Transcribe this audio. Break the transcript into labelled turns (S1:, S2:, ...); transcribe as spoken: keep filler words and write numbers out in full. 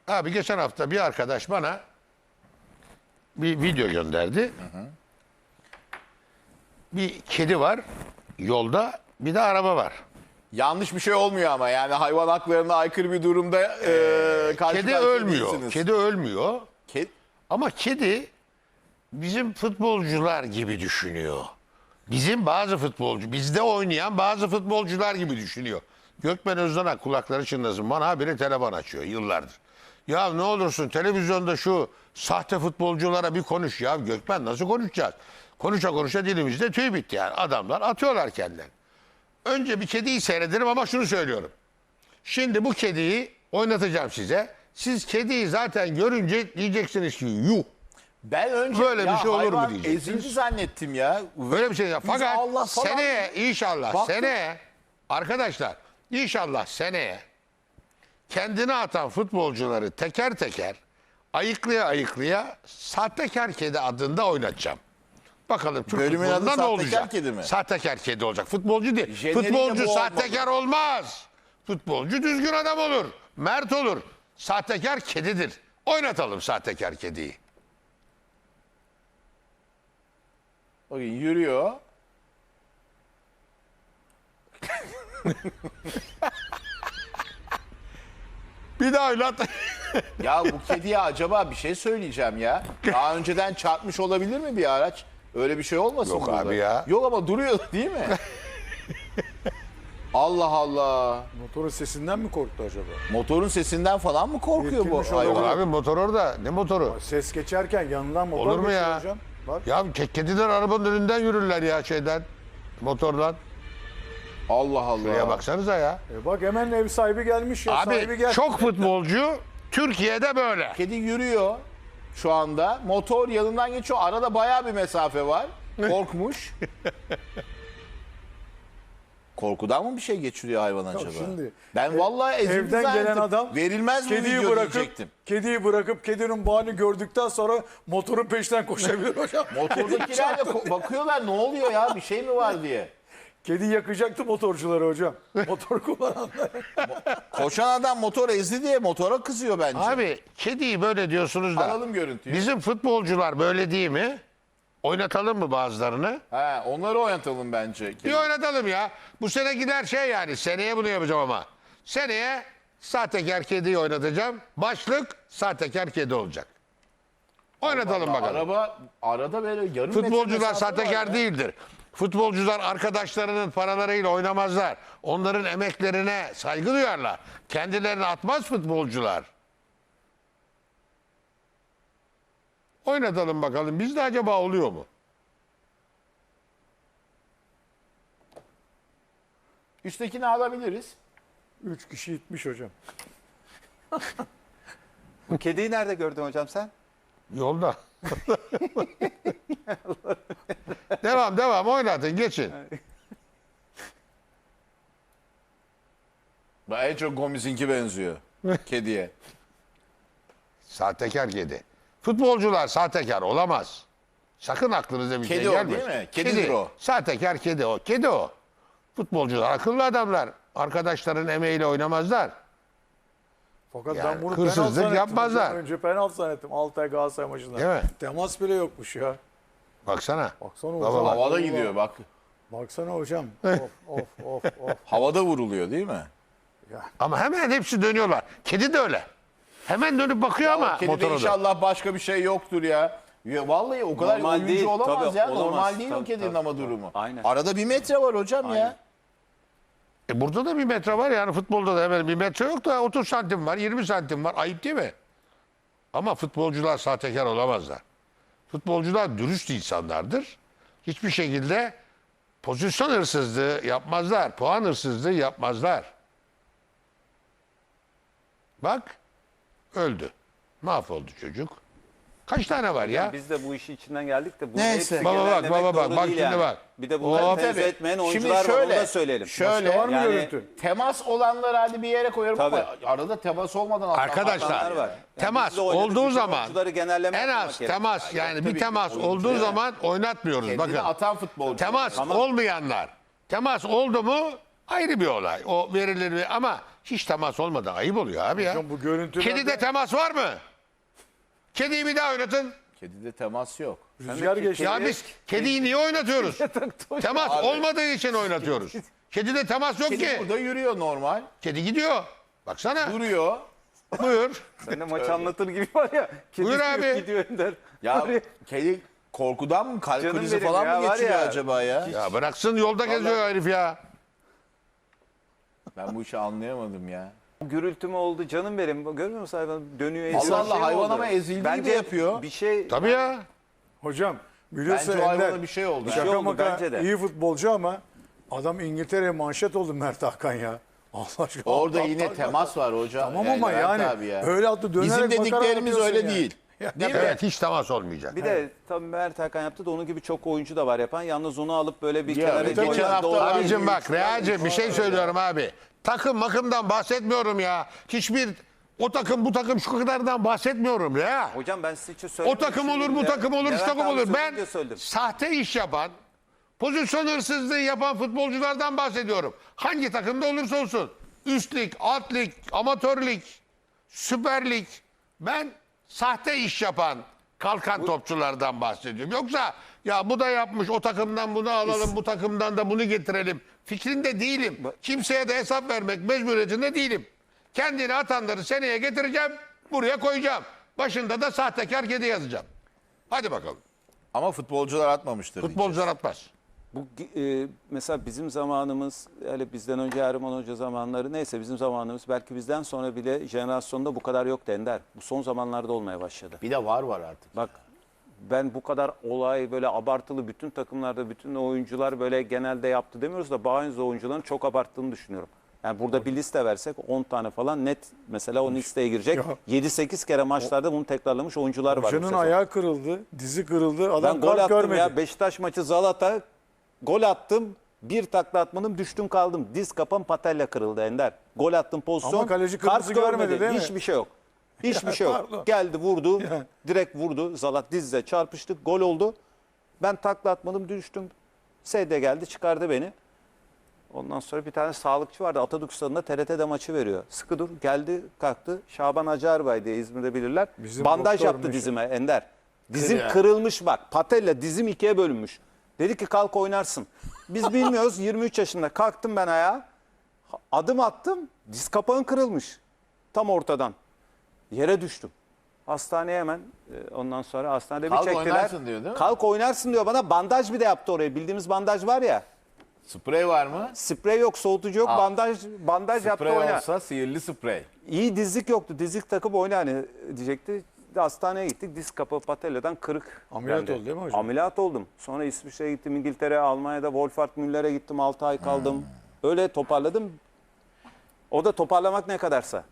S1: Abi geçen hafta bir arkadaş bana bir video gönderdi. Hı hı. Bir kedi var yolda, bir de araba var.
S2: Yanlış bir şey olmuyor ama yani hayvan haklarına aykırı bir durumda e, karşı
S1: Kedi
S2: karşıya
S1: ölmüyor.
S2: değilsiniz.
S1: Kedi ölmüyor.
S2: Ked-
S1: Ama kedi bizim futbolcular gibi düşünüyor. Bizim bazı futbolcu, bizde oynayan bazı futbolcular gibi düşünüyor. Gökmen Özdanak kulakları çınlasın. Bana habire telefon açıyor yıllardır. Ya ne olursun televizyonda şu sahte futbolculara bir konuş ya. Gökmen nasıl konuşacağız? Konuşa konuşa dilimizde tüy bitti yani. Adamlar atıyorlar kendilerini. Önce bir kediyi seyrederim ama şunu söylüyorum. Şimdi bu kediyi oynatacağım size. Siz kediyi zaten görünce diyeceksiniz ki yuh.
S2: Ben önce
S1: Böyle bir
S2: ya
S1: şey olur mu
S2: hayvan
S1: diyeceksiniz.
S2: ezildi zannettim ya.
S1: Böyle bir şey ya.
S2: Biz
S1: Fakat
S2: Allah falan-
S1: seneye inşallah
S2: Baktım.
S1: seneye arkadaşlar inşallah seneye kendine atan futbolcuları teker teker ayıklaya ayıklaya sahtekar kedi adında oynatacağım. Bakalım Türk
S2: Bölümün adı
S1: futbolunda ne
S2: sahtekar
S1: olacak?
S2: kedi mi?
S1: Sahtekar kedi olacak. Futbolcu değil.
S2: Jeneriğinde
S1: Futbolcu
S2: bu
S1: sahtekar olmaz. Futbolcu düzgün adam olur. Mert olur. Sahtekar kedidir. Oynatalım sahtekar kediyi.
S2: Bakın yürüyor.
S1: Bir daha oynat.
S2: Ya bu kediye acaba bir şey söyleyeceğim ya. Daha önceden çarpmış olabilir mi bir araç? Öyle bir şey olmasın
S1: Yok
S2: burada?
S1: abi ya.
S2: Yok ama duruyor değil mi? Allah Allah.
S3: Motorun sesinden mi korktu acaba?
S2: Motorun sesinden falan mı korkuyor bu
S3: Irkilmiş
S2: hayvan?
S3: olabilir.
S1: Abi motor orada. Ne motoru?
S3: Ses geçerken yanından motor
S1: Olur mu
S3: geçiyor
S1: ya?
S3: hocam. Bak.
S1: Ya ke- kediler arabanın önünden yürürler ya şeyden. Motordan.
S2: Allah Allah.
S1: Şuraya baksanıza ya.
S3: E bak hemen ev sahibi gelmiş ya. sahibi
S1: Abi
S3: gel.
S1: çok futbolcu Türkiye'de böyle.
S2: Kedi yürüyor şu anda. Motor yanından geçiyor. Arada bayağı bir mesafe var. Korkmuş. Korkudan mı bir şey geçiriyor hayvan acaba?
S3: şimdi,
S2: ben vallahi ezildi
S3: Evden
S2: zannettim.
S3: gelen adam
S2: Verilmez mi
S3: kediyi
S2: video
S3: bırakıp
S2: diyecektim.
S3: kediyi bırakıp kedinin bağını gördükten sonra motorun peşinden koşabilir hocam.
S2: Motordakiler de ko- bakıyorlar ne oluyor ya bir şey mi var diye.
S3: Kedi yakacaktı motorcuları hocam. Motor kullananlar.
S2: Koşan adam motor ezdi diye motora kızıyor bence.
S1: Abi kediyi böyle diyorsunuz da.
S2: Alalım görüntüyü.
S1: Bizim futbolcular böyle değil mi? Oynatalım mı bazılarını?
S2: He, onları oynatalım bence.
S1: Bir oynatalım ya. Bu sene gider şey yani. Seneye bunu yapacağım ama. Seneye sahtekar kediyi oynatacağım. Başlık sahtekar kedi olacak. Oynatalım bakalım.
S2: Araba arada böyle yarım metre
S1: Futbolcular
S2: mesafe var
S1: sahtekar
S2: ya.
S1: değildir. Futbolcular arkadaşlarının paralarıyla oynamazlar. Onların emeklerine saygı duyarlar. Kendilerini atmaz futbolcular. Oynatalım bakalım. Bizde acaba oluyor mu?
S2: Üsttekini alabiliriz.
S3: Üç kişi gitmiş hocam.
S4: Bu kediyi nerede gördün hocam sen?
S1: Yolda. devam devam oynatın geçin.
S2: Ben en çok Gomis'inki benziyor. Kediye.
S1: Sahtekar kedi. Futbolcular sahtekar olamaz. Sakın aklınıza bir
S2: Kedi
S1: şey
S2: o
S1: gelmesin.
S2: değil mi? Kedidir o.
S1: Sahtekar kedi o. Kedi o. Futbolcular akıllı adamlar. Arkadaşların emeğiyle oynamazlar.
S3: Fakat
S1: Yani
S3: ben bunu
S1: hırsızlık
S3: penaltı zannettim
S1: yapmazlar.
S3: hocam. Önce penaltı zannettim. Altay Galatasaray maçında.
S1: Değil mi?
S3: Temas bile yokmuş ya.
S1: Baksana.
S3: Baksana
S1: Baba
S3: hocam.
S1: bak.
S2: Havada gidiyor bak.
S3: Baksana hocam. Of of of of.
S2: Havada vuruluyor değil mi?
S1: Ama hemen hepsi dönüyorlar. Kedi de öyle. Hemen dönüp bakıyor ama
S2: Kedide
S1: motora da.
S2: inşallah başka bir şey yoktur ya. Ya vallahi o kadar
S4: Normal
S2: oyuncu
S4: değil,
S2: olamaz
S4: tabii,
S2: ya.
S4: olamaz.
S2: Normal değil o
S4: Tabii,
S2: kedinin
S4: tabii,
S2: ama
S4: tabii.
S2: durumu.
S4: Aynen.
S2: Arada bir metre var hocam ya.
S4: Aynen.
S1: E burada da bir metre var yani futbolda da hemen bir metre yok da otuz santim var, yirmi santim var. Ayıp değil mi? Ama futbolcular sahtekar olamazlar. Futbolcular dürüst insanlardır. Hiçbir şekilde pozisyon hırsızlığı yapmazlar. Puan hırsızlığı yapmazlar. Bak öldü. Mahvoldu çocuk. Kaç tane var ya?
S4: Biz de bu işin içinden geldik de bu
S2: Neyse.
S4: hepsi
S1: Baba bak,
S4: genellemek
S1: baba bak,
S4: doğru
S1: bak
S4: değil
S1: şimdi bak.
S4: Bir de bunları
S1: Hop.
S4: tenzih
S2: Tabii.
S4: etmeyen
S2: Şimdi
S4: oyuncular var
S2: şöyle,
S4: onu da söyleyelim.
S2: şöyle,
S3: Başka var mı
S4: Yani-
S3: görüntü?
S2: Temas olanları hadi bir yere koyarım ama
S4: Tabii.
S2: arada temas olmadan atlamak
S1: Arkadaşlar,
S4: Atanlar var. Yani
S1: temas
S4: biz de oynadık,
S1: olduğu
S4: bütün
S1: zaman
S4: oyuncuları genelleme
S1: en
S4: yapmamak
S1: az
S4: gerek.
S1: temas yani
S2: tabii
S1: bir
S2: ki
S1: temas
S2: oyuncu
S1: olduğu
S2: yani.
S1: zaman oynatmıyoruz.
S2: kendini
S1: Bakın.
S2: atan futbolcu.
S1: Temas
S4: Tamam.
S1: olmayanlar. Temas oldu mu ayrı bir olay. O verilir ama Hiç temas olmadı. Ayıp oluyor abi ya.
S3: Hocam bu görüntülerde-
S1: Kedide temas var mı? Kediyi bir daha oynatın.
S2: Kedide temas yok.
S3: Rüzgar geçti.
S1: Ya biz kediyi niye oynatıyoruz? Temas olmadığı için oynatıyoruz. Kedide temas yok
S2: Kedi
S1: ki.
S2: burada yürüyor normal.
S1: Kedi gidiyor. Baksana.
S2: Duruyor.
S1: Buyur.
S4: Sen de maç anlatır gibi var ya. Kedi
S1: Buyur
S4: sürüp
S1: abi.
S4: Gidiyor Ender.
S2: Ya
S4: Var ya,
S2: kedi korkudan mı kalp
S4: Canım
S2: krizi
S4: benim
S2: falan
S4: ya,
S2: mı
S4: var
S2: geçiriyor
S4: ya.
S2: acaba ya?
S1: Ya bıraksın yolda geziyor herif ya.
S2: Ben bu işi anlayamadım ya.
S4: gürültü mü oldu canım benim. Görmüyor musun hayvan dönüyor eziyor.
S2: Allah
S4: Bir şey
S2: Allah,
S4: mi
S2: hayvan
S4: oldu?
S2: ama ezildiği
S4: Bence
S2: de yapıyor.
S4: Bir şey
S1: Tabii ya.
S3: Hocam biliyorsun
S2: Bence o hayvana
S3: Ender,
S2: bir şey oldu.
S4: şey
S3: şaka
S4: oldu
S3: maka
S4: bence de.
S3: iyi futbolcu ama adam İngiltere'ye manşet oldu Mert Hakan ya. Allah aşkına.
S2: Orada
S3: Allah
S2: yine
S3: Allah.
S2: temas var hocam.
S3: Tamam ama
S2: Levent
S3: yani
S2: abi ya.
S3: öyle attı dönerek
S2: Bizim
S3: bakarak
S2: dediklerimiz
S3: atıyorsun
S2: öyle
S3: ya.
S2: değil. Değil mi?
S1: Evet hiç temas olmayacak.
S4: Bir de tabii Mert Hakan yaptı da onun gibi çok oyuncu da var yapan. Yalnız onu alıp böyle bir
S2: Ya,
S4: kenara
S2: geçen
S4: koyup
S2: hafta
S4: doğru-
S2: abi-
S1: Abicim bak Real'cim bir şey söylüyorum abi. Takım makımdan bahsetmiyorum ya. Hiçbir o takım bu takım şu kadardan bahsetmiyorum ya.
S4: Hocam ben size hiç
S1: O
S4: söylemedim.
S1: takım olur,
S4: şimdi
S1: bu
S4: de.
S1: takım olur, şu
S4: Levent
S1: takım
S4: abi
S1: olur. Ben
S4: söyleyince söyledim.
S1: sahte iş yapan, pozisyon hırsızlığı yapan futbolculardan bahsediyorum. Hangi takımda olursa olsun. Üst lig, alt lig, amatör lig, süper lig. Ben sahte iş yapan, kalkan topçulardan bahsediyorum. Yoksa ya bu da yapmış, o takımdan bunu alalım, bu takımdan da bunu getirelim. Fikrinde değilim. Kimseye de hesap vermek mecburiyetinde değilim. Kendini atanları seneye getireceğim, buraya koyacağım. Başında da sahtekar kedi yazacağım. Hadi bakalım.
S2: Ama futbolcular atmamıştır.
S1: Futbolcular atmaz.
S4: Bu e, mesela bizim zamanımız, hele bizden önce Erman Hoca zamanları neyse bizim zamanımız belki bizden sonra bile jenerasyonda bu kadar yok Ender. Bu son zamanlarda olmaya başladı.
S2: Bir de var var artık.
S4: Bak ben bu kadar olay böyle abartılı bütün takımlarda bütün oyuncular böyle genelde yaptı demiyoruz da bazı oyuncuların çok abarttığını düşünüyorum. Yani burada bir liste versek on tane falan net mesela o listeye girecek.
S3: Ya.
S4: yedi sekiz kere maçlarda bunu tekrarlamış oyuncular var. bu
S3: Hocanın
S4: sezon.
S3: ayağı kırıldı, dizi kırıldı. Adam
S4: Ben gol
S3: kalp
S4: attım
S3: görmedi.
S4: ya Beşiktaş maçı Zalata gol attım. Bir takla atmadım düştüm kaldım. Diz kapam patella kırıldı Ender. Gol attım pozisyon.
S3: Ama kaleci
S4: kart
S3: kırmızı görmedi değil mi?
S4: Hiçbir şey yok. Hiçbir şey yok.
S3: Pardon.
S4: Geldi vurdu.
S3: Ya.
S4: Direkt vurdu. Zalat dizle çarpıştık. Gol oldu. Ben takla atmadım düştüm. S D geldi çıkardı beni. Ondan sonra bir tane sağlıkçı vardı. Atatürk Stadı'nda T R T'de maçı veriyor. Sıkı dur. Geldi kalktı. Şaban Acarbay diye İzmir'de bilirler.
S3: Bizim
S4: Bandaj
S3: doktor
S4: yaptı
S3: meşhur.
S4: dizime Ender. Dizim
S2: Kır ya.
S4: kırılmış bak. Patella dizim ikiye bölünmüş. Dedi ki kalk oynarsın. Biz bilmiyoruz. yirmi üç yaşında. Kalktım ben ayağa. Adım attım. Diz kapağın kırılmış. Tam ortadan. Yere düştüm. Hastaneye hemen e, ondan sonra hastanede
S2: Kalk
S4: bir çektiler.
S2: oynarsın diyor, değil mi?
S4: Kalk oynarsın diyor bana. Bandaj bir de yaptı oraya. Bildiğimiz bandaj var ya.
S2: Sprey var mı?
S4: Sprey yok, soğutucu yok.
S2: Al.
S4: Bandaj bandaj yaptı
S2: Sprey
S4: oyna.
S2: olsa sihirli sprey.
S4: İyi dizlik yoktu. Dizlik takıp oyna hani diyecekti. Hastaneye gittik. Diz kapağı patelladan kırık.
S3: Ameliyat
S4: geldi.
S3: oldu değil mi hocam?
S4: Ameliyat oldum. Sonra İsviçre'ye gittim, İngiltere, Almanya'da Wolfhard Müller'e gittim. altı ay kaldım. Öyle toparladım. O da toparlamak ne kadarsa.